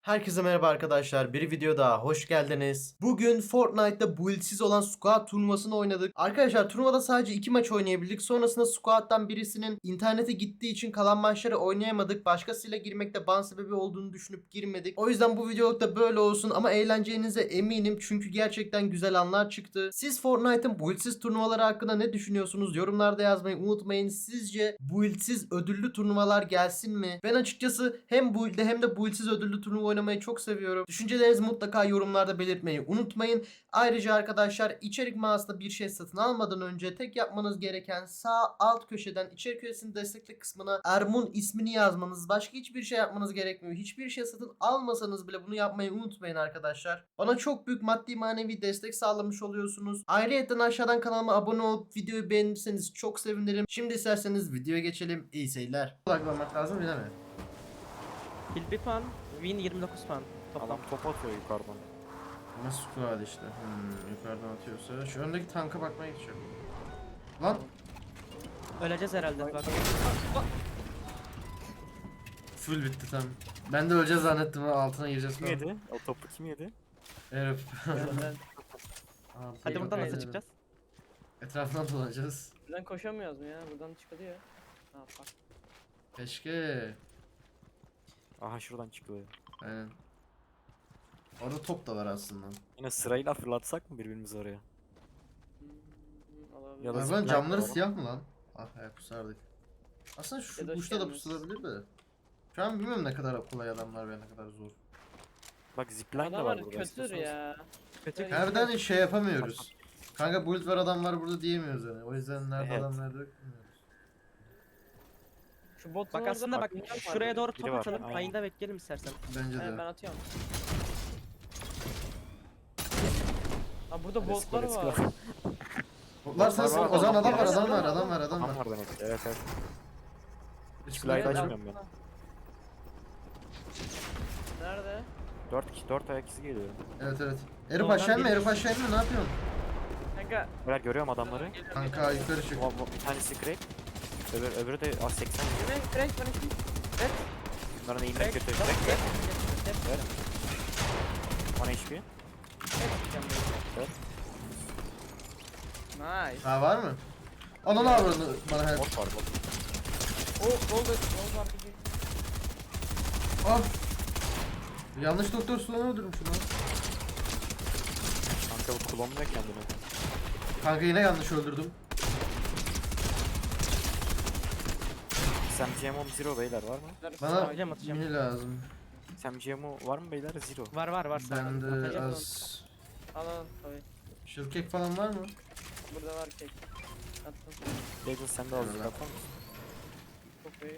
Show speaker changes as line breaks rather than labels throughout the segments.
Herkese merhaba arkadaşlar. Bir video daha hoş geldiniz. Bugün Fortnite'da build'siz olan squad turnuvasını oynadık. Arkadaşlar turnuvada sadece 2 maç oynayabildik. Sonrasında squad'dan birisinin internete gittiği için kalan maçları oynayamadık. Başkasıyla girmekte ban sebebi olduğunu düşünüp girmedik. O yüzden bu videoluk da böyle olsun ama eğleneceğinize eminim. Çünkü gerçekten güzel anlar çıktı. Siz Fortnite'ın build'siz turnuvaları hakkında ne düşünüyorsunuz? Yorumlarda yazmayı unutmayın. Sizce build'siz ödüllü turnuvalar gelsin mi? Ben açıkçası hem build'de hem de build'siz ödüllü turnuva oynamayı çok seviyorum. Düşüncelerinizi mutlaka yorumlarda belirtmeyi unutmayın. Ayrıca arkadaşlar içerik mağazasında bir şey satın almadan önce tek yapmanız gereken sağ alt köşeden içerik üyesinin destekli kısmına Ermun ismini yazmanız. Başka hiçbir şey yapmanız gerekmiyor. Hiçbir şey satın almasanız bile bunu yapmayı unutmayın arkadaşlar. Bana çok büyük maddi manevi destek sağlamış oluyorsunuz. Ayrıca aşağıdan kanalıma abone olup videoyu beğenirseniz çok sevinirim. Şimdi isterseniz videoya geçelim. İyi seyirler. Odaklanmak lazım değil mi?
Kill 1 puan, win 29 puan. Toplam.
Adam top atıyor yukarıdan.
Nasıl squad işte. Yukarıdan atıyorsa. Şu öndeki tanka bakmaya geçiyorum. Lan.
Öleceğiz herhalde. Bak.
Full bitti tam. Ben de öleceğiz zannettim ha altına gireceğiz
Kim
falan.
yedi? O topu kim yedi?
Herif.
Hadi buradan nasıl çıkacağız?
Etrafından dolanacağız.
Buradan koşamıyoruz mu ya? Buradan çıkılıyor. Ha bak.
Keşke.
Aha şuradan çıkıyor.
Aynen. Orada top da var aslında.
Yine sırayla fırlatsak mı birbirimizi oraya?
Olabilir.
Ya da
Arabanın
zipline
camları
var.
siyah mı lan? Ah ayak kusardık. Aslında şu
Ya da
uçta da
gelmez.
pusulabilir de. Şu an bilmiyorum ne kadar kolay adamlar ve ne kadar zor.
Bak zipline de var
Adamlar
burada.
kötüdür
istiyorsanız.
ya.
Kötü.
Evet.
Nereden şey yapamıyoruz. Kanka build var adam var burada diyemiyoruz yani. O yüzden nerede
Evet.
adam nerede yok bilmiyoruz.
Şu botun
Bak
orada
aslında bak
minyon var.
şuraya doğru
Biri
top
var,
atalım.
aynen.
Ayında bekleyelim istersen.
Bence
Evet, ben
de.
atıyorum. Ha burada
Let's
botlar
go, let's
var.
go.
Var sensin.
var,
O zaman adam var
var,
adam var
var,
adam var adam
Adam
var.
var demek ki. Evet evet.
Hiç
Silahı
kulak açmıyor.
açmıyorum ben.
Nerede?
4 ayak izi geliyor.
Evet evet. Herif
Oradan
aşağı mı?
biri-
Herif aşağı mı? Ne yapıyorsun?
Kanka.
Beyler görüyorum adamları.
Geliyorum,
Kanka
geliyorum.
yukarı çık.
Bir tanesi crack. Öbürü de 80.
Yemek, direkt bana kim? Evet.
Bunların eğimleri
Crack.
kötü.
Bak,
Crack
gel,
crack.
gel, gel.
Evet. 10 HP. Evet.
Nice.
Ha var mı? Ananı avradını bana help.
Bot var bot.
Oh, gol var.
Ah. Yanlış doktor Sulan'ı öldürmüş lan.
Kanka bu klonluyor kendini.
Kanka yine yanlış öldürdüm.
SMGMO Zero beyler var mı?
Bana
Atacağım, atacağım.
mini lazım.
SMGMO var mı beyler? Zero.
Var sağ.
Bende
Atacağım.
az.
Al tabii.
Shellcake falan var mı?
Burada var kek. Attım.
Legend sen de azıcık
Evet.
atar mısın?
Çok iyi.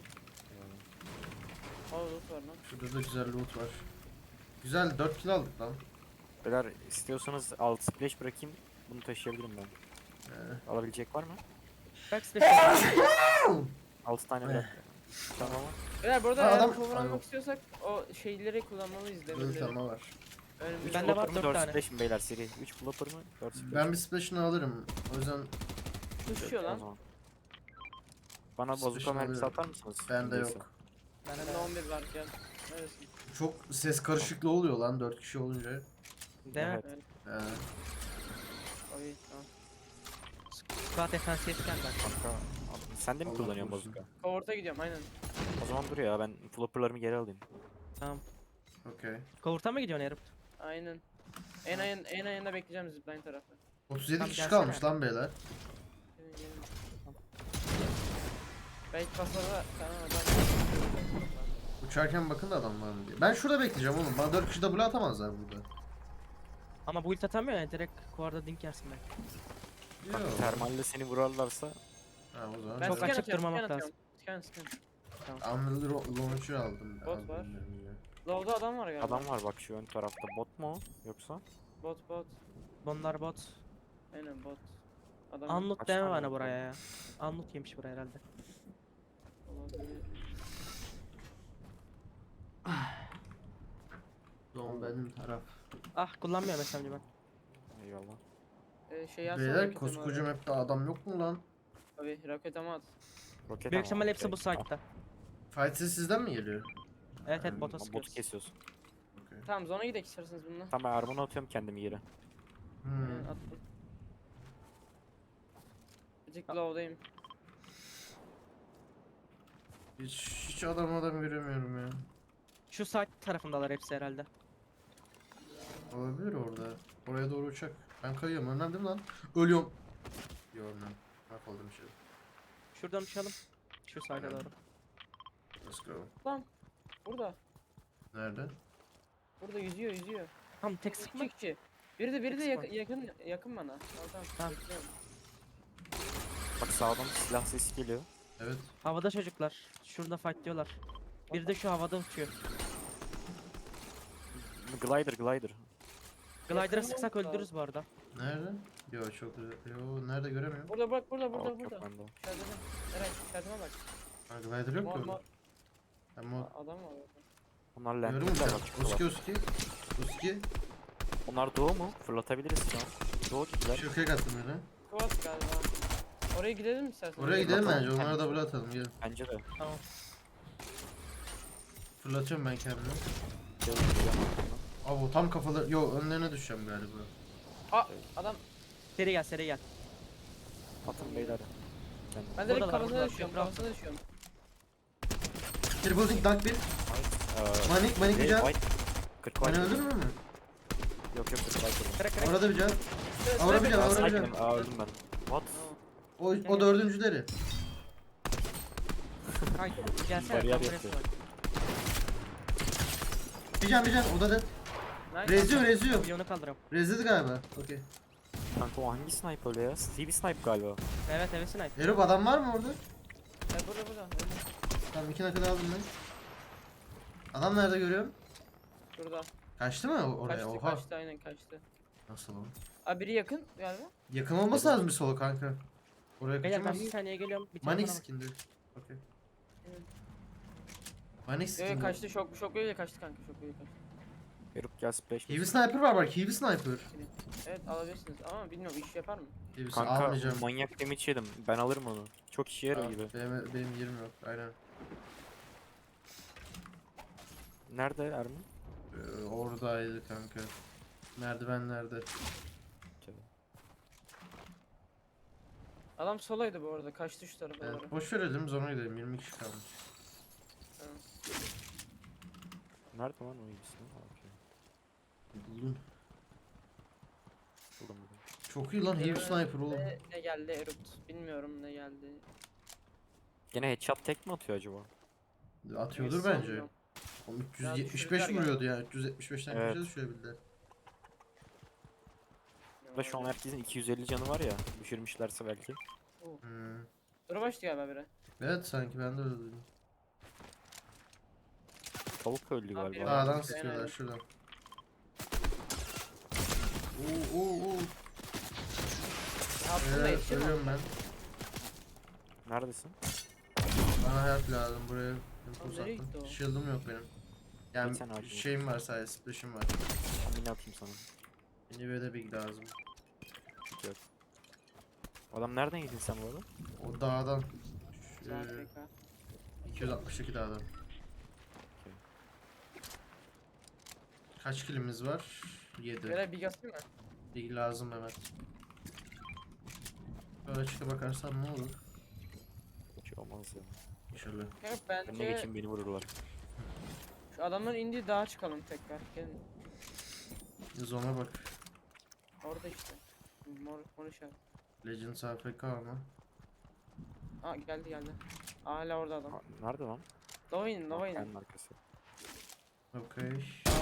Aa loot var lan.
Şurada da güzel loot var. Güzel 4 kill aldık lan.
Beyler istiyorsanız alt splash bırakayım. Bunu taşıyabilirim ben. Alabilecek var mı?
Bak special.
6 tane bırak. Tamam ama.
Beyler burada
Ha,
eğer
adam-
cover
Ay, yok.
almak istiyorsak o şeyleri kullanmalıyız
Öyle
demirleri.
tamam var.
Önümüzde
Bende var
Flopper mı
4
4
tane.
splash mi beyler seri? 3 flopper mı 4 splash?
Ben bir splash'ını alırım. O yüzden
düşüyor
O
lan.
zaman. Bana
Splash'ını
bazuka mermisi
alıyorum.
atar mısınız?
bende
Neyse.
yok.
Bende 11 var gel. Neredesin?
Çok ses karışıklığı oluyor lan 4 kişi olunca.
Değil mi?
Evet.
Ee,
Abi tamam.
Squad defansiyetken ben.
Kanka sen de mi
Allah
kullanıyorsun
korusun.
bazuka?
Cover'ta gidiyorum aynen.
O zaman dur ya ben flopperlarımı geri alayım.
Tamam.
Okey.
Kovurta mı gidiyorsun herif?
Aynen. En ayında bekleyeceğim zipline tarafı.
37
Tamam,
kişi
gelsene.
kalmış lan beyler.
Gelin. Belki pasada tamam adam.
Uçarken bakın da adam var mı diye. Ben şurada bekleyeceğim oğlum. Bana 4 kişi double atamazlar burada.
Ama bu ult atamıyor ya direkt kuarda dink yersin belki.
Kanka
Yok.
termalle seni vurarlarsa
Ha o zaman.
Ben
Çok
scan
açık
atıyorum,
durmamak
scan
lazım.
atıyorum. Scan.
Unreal Launcher aldım.
Bot
Aldım
var.
ben ya.
Low'da adam var galiba.
adam var bak şu ön tarafta bot mu o yoksa?
Bot.
Bunlar bot.
Aynen bot. Adam
Anlut
Kaç
deme
tane
bana
bot
buraya
var?
ya. Anlut yemiş buraya herhalde.
olabilir.
Doğum benim taraf.
Ah kullanmıyorum SMG ben.
Eyvallah.
Şey yazsana
Beyler
roket
koskoca
ama.
map'te adam yok mu lan?
Abi roket ama at.
Roket
Büyük
ama,
ihtimal hepsi
okey.
bu site'da.
Fight sizden mi geliyor?
Evet
Botu
bota sıkıyoruz.
kesiyorsun.
Tamam zona gidelim isterseniz bununla.
Tamam ben armonu atıyorum kendimi yere.
Aynen, attım. Azıcık low'dayım.
Hiç adam göremiyorum ya.
Şu side tarafındalar hepsi herhalde.
Olabilir orada. Oraya doğru uçak. Ben kayıyorum. Önden değil mi lan? Ölüyorum. Yok lan. Mahvoldum şey.
Şuradan uçalım. Şu side'a
Aynen.
doğru.
Let's go.
Lan. Burada.
Nerede?
Burada yüzüyor.
Tamam tek sıkma.
İki kişi. Biri de
Sıkma.
yakın bana. Tamam.
Tamam.
Bekliyorum.
Bak sağdan silah sesi geliyor.
Evet.
Havada çocuklar. Şurada fight diyorlar. Biri de şu havada uçuyor.
Glider.
Glider'a
Yakın
sıksak
oldu.
öldürürüz bu arada.
Nerede? Yok çok güzel. Yo nerede göremiyorum.
Burada bak burada.
Yok yok bende.
İçeride. Eray içeride bak.
Ha, glider yok ki
Mor,
orada. Ama
Adam var orada.
Onlar
görüyor
lentler
musun?
bak.
Uski uski. Uski.
Onlar doğu mu? Fırlatabiliriz şu an. Doğu gibiler.
Şökek attım yine.
Kuvas galiba. Oraya gidelim mi istersen?
Oraya gidelim
Fırlatalım
bence. Onlara
kendimizi.
double atalım. Gelin.
Bence de.
Tamam.
Fırlatıyorum ben kendimi.
Gelin, gelin arkamdan.
Abo tam kafaları. Yo önlerine düşeceğim galiba.
Aa adam.
Seri gel.
Atın beyler.
Ben direkt
Buradalar,
kafasına
buradalar.
düşüyorum.
Bravo.
Kafasına düşüyorum.
Triple Dink Duck 1. Manik bir can.
White. 40
Beni
white.
öldürür mü?
Yok 40 white.
Kırık.
Orada bir can. Orada bir can.
Aa,
Orada bir can.
sakinim. Aa öldüm ben. What?
O dördüncüleri.
Haydi gelsene.
Bariyer
tam buraya
yapıyor.
sık.
Bir can. O da dead.
Nice.
Reziyor.
Milyonu kaldırıyorum.
Rezledi galiba. Okey.
Kanka o hangi sniper öyle ya? Stevie sniper galiba.
Evet sniper.
Erop adam var mı orada?
Burada.
Tamam 2 nakada aldım ben. Adam nerede görüyorum?
Şurada.
Kaçtı mı oraya? Oha.
Kaçtı aynen kaçtı.
Nasıl o?
Abi biri yakın galiba.
Yakın olması lazım bir solo kanka. Oraya
Beyler ben
kaçamaz.
bir saniye geliyorum. Bir
Manik
telefona bak.
skin'di. Okey.
Evet.
Manik
Yok
skin'di.
kaçtı şok öyle kaçtı kanka şok öyle kaçtı.
Erup gel splash.
Heavy sniper var bak. Heavy sniper.
Evet alabilirsiniz ama bilmiyorum iş yapar mı?
Heavy
Kanka
almayacağım.
manyak damage yedim. Ben alırım onu. Çok işe yarıyor
Aa,
gibi.
benim yerim yok. Aynen.
Nerede Ermin?
Oradaydı kanka. Merdivenlerde.
Adam solaydı bu arada kaçtı şu tarafa doğru.
Evet, boş verelim sonra gidelim. 20 kişi kalmış.
Tamam.
Nerede lan o iyisi? Okey.
Buldum.
Buldum.
Çok iyi lan Heavy sniper oğlum.
Ne geldi Erupt bilmiyorum ne geldi.
Gene headshot tek mi atıyor acaba?
Atıyordur
Neyse,
bence.
sanmıyorum.
Oğlum
Ya
375
düşürdüler
vuruyordu ya. 375'ten
Evet.
kaça düşürebildiler.
Da şu an herkesin 250 canı var ya. Düşürmüşlerse belki.
Hmm.
Dur başladı galiba biri.
Evet sanki ben de öyle duydum.
Tavuk öldü
Abi,
galiba.
evet.
Dağdan
aynen.
sıkıyorlar şuradan. Oo.
Aslında yetişir mi?
Ölüyorum ben.
Neredesin?
Bana help lazım buraya. Info
nereye gitti
sattım.
o?
Shield'ım yok benim. Yani
Bir tane ağacım yok.
şeyim var sadece splash'im var.
Ben yine atayım sana.
Nive'de big lazım.
Hiç yok. Adam nereden yedin sen bu arada?
O dağdan. Şu,
Güzel PK.
262 dağdan. Kaç kilimiz var? 7.
Böyle bir gasayım mı?
Big lazım Mehmet. Böyle çıka bakarsan ne olur?
Hiç olmaz ya.
İnşallah.
Kanka
Önüne
bence
geçin beni vururlar.
şu adamların indiği dağa çıkalım tekrar. Gelin.
Zona bak.
Orada işte. Mor işaret.
Legends AFK ama.
Aa geldi. Hala orada adam.
Ha, nerede lan?
Nova inin.
Kayanın arkası.
Okey.
Sağda.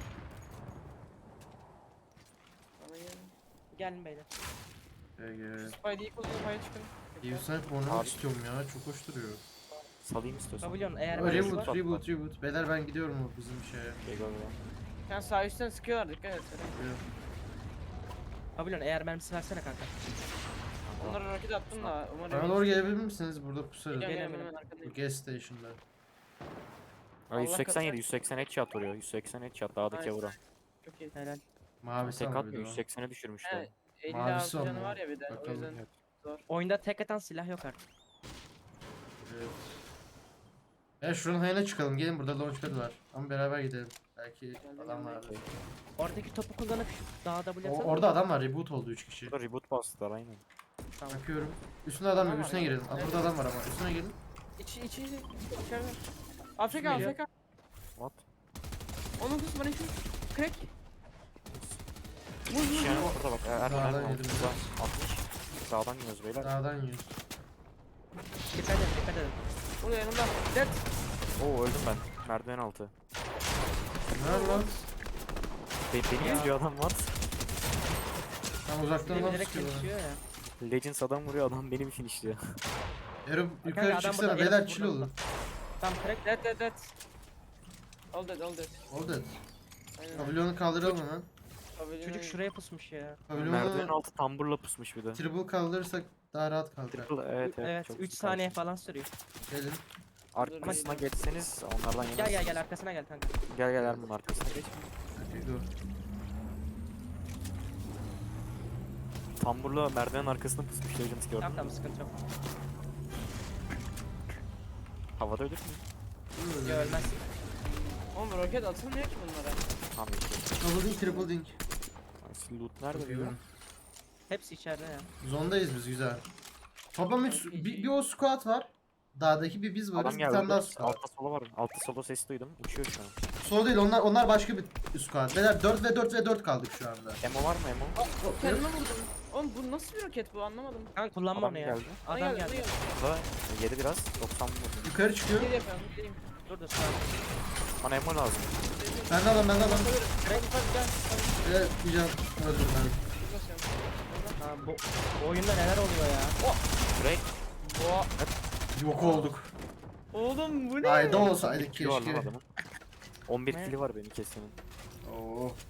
Bana gelin.
Gelin beyler.
GG.
Spidey'i kullanıp hayal çıkın.
Heavy sniper oynamak
Abi.
istiyorum ya. Çok hoş duruyor.
Salayım istiyorsan.
Pavilyon eğer
Aa,
mermisi
Reboot,
var.
reboot. Beyler ben gidiyorum o bizim şeye.
Şey galiba.
Sen sağ üstten sıkıyorlar dikkat et.
Pavilyon eğer mermisi versene kanka.
Onlara roket attım da umarım.
Bana doğru gelebilir misiniz? Burada pusarız.
Geliyorum
Gelelim.
hemen
Bu
arkadayım.
gas station'da.
Aa,
Allah
187, 180 headshot vuruyor. 180 headshot dağdaki
Nice.
vura.
Çok iyi.
Helal.
Mavisi
Tek
ama bir
atmıyor,
de o.
180'e düşürmüşler.
Evet. 50
Mavisi
canı
ama.
var ya bir de o
Bakalım.
yüzden
Evet.
zor.
Oyunda tek atan silah yok artık.
Evet. Şuranın hayına çıkalım. Gelin, burada launchpad var. Ama beraber gidelim. Belki adam var.
Oradaki topu kullanıp şu dağa W atalım.
Orada adam var. Reboot oldu 3 kişi.
Burada reboot bastılar aynen.
Tamam.
Bakıyorum. Üstünde adam yok.
Adam var
Üstüne
ya.
girelim. Aa, burada adam var ama. Üstüne gelin.
İçeride. Afrika
Geliyor.
Afrika.
What?
19 bana şu. Crack.
Yani burada bak. Erman
Dağdan yedim.
60. Sağdan yiyoruz beyler.
Dağdan yiyoruz.
Dikkat edin dikkat edin.
Burada yanımda. Dead.
Oo öldüm ben. Merdiven altı.
Nerede lan?
Beni
Ya.
izliyor adam var.
Tam uzaktan
Biri
adam
direkt
sıkıyor bana.
geçiyor ya.
Legends adam vuruyor adam beni bir finishliyor.
Ero
Kanka,
yukarı
adam
çıksana.
burada,
Beyler
Ero
chill
burada,
olun.
Tamam crack.
Dead. All dead.
Oldu.
Aynen.
Pavilyonu kaldıralım hemen.
Pavilyon
Çocuk
aynen.
şuraya pusmuş ya.
Merdiven
Pavilyonu
altı tamburla pusmuş bir de.
triple kaldırırsak daha rahat kalkar.
Triple evet
Evet
çok
3
sıkıntı.
saniye falan sürüyor.
Gelin.
Arkasına geçseniz onlardan yemezsiniz.
Gel arkasına gel kanka.
Gel Erman arkasına geç.
Hadi go.
Tamburla merdiven arkasına pusmuş Legends gördün
Tamam
mü?
tamam sıkıntı yok.
Havada ölür mü?
Ya ölmezsin.
Oğlum roket atılmıyor ki bunlara.
Tamam işte.
Double dink, triple dink.
Loot nerede diyor?
Bakıyorum.
Hepsi içeride ya.
Zondayız biz, güzel. Toplam bir o squad var. Dağdaki bir biz varız.
Adam
Bir tane daha
geldi.
squad.
Altta sola var. Altta sola ses duydum. Uçuyor şu an.
Sol değil, onlar başka bir squad. Beyler 4 ve 4 ve 4 kaldık şu anda.
Emo var mı Emo?
Kendime vurdum. Oğlum bu nasıl bir roket bu anlamadım.
Kanka kullanma
Adam
onu ya.
geldi.
Bana
Adam
geldi.
geldi.
Burada yedi biraz. 90 vurdum.
Yukarı çıkıyor.
Gel yapıyorum. Gideyim.
Dur dur sağ ol.
Bana Emo lazım.
Ben de adam.
Crack.
Gel.
Evet, bir can öldüm ben.
Ha, bu oyunda neler oluyor ya?
Break.
Yok olduk.
Oğlum bu ne?
Ayda olsaydık
Kili var lan
keşke.
adamın. 11
Ne?
kili var benim kesenin.
Oo.